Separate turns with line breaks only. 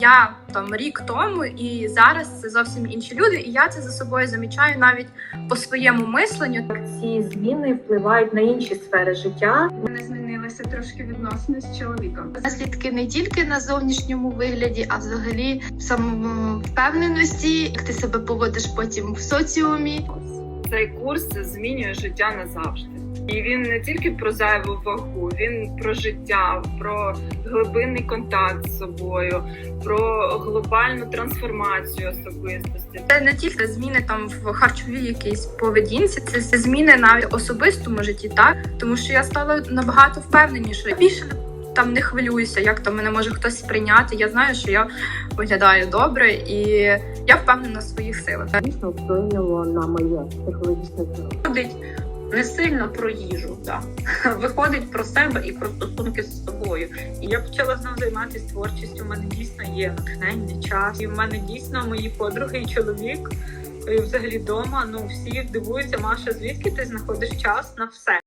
Я там рік тому, і зараз це зовсім інші люди, і я це за собою замічаю навіть по своєму мисленню.
Ці зміни впливають на інші сфери життя.
У мене змінилися трошки відносини з чоловіком.
Наслідки не тільки на зовнішньому вигляді, а взагалі в самовпевненості, як ти себе поводиш потім в соціумі.
Цей курс змінює життя назавжди. І він не тільки про зайву вагу, він про життя, про глибинний контакт з собою, про глобальну трансформацію особистості.
Це не тільки зміни там в харчовій якійсь поведінці, це зміни навіть в особистому житті, так? Тому що я стала набагато впевненішою. Більше там не хвилююся, як там мене може хтось сприйняти. Я знаю, що я виглядаю добре, і я впевнена в своїх силах.
Дійсно вплинуло на моє психологічне здоров'я.
Не сильно про їжу, так. Виходить про себе і про стосунки з собою. І я почала знову займатися творчістю. У мене дійсно є натхнення, час. І в мене дійсно мої подруги і чоловік, і взагалі вдома, всі дивуються: Маша, звідки ти знаходиш час на все?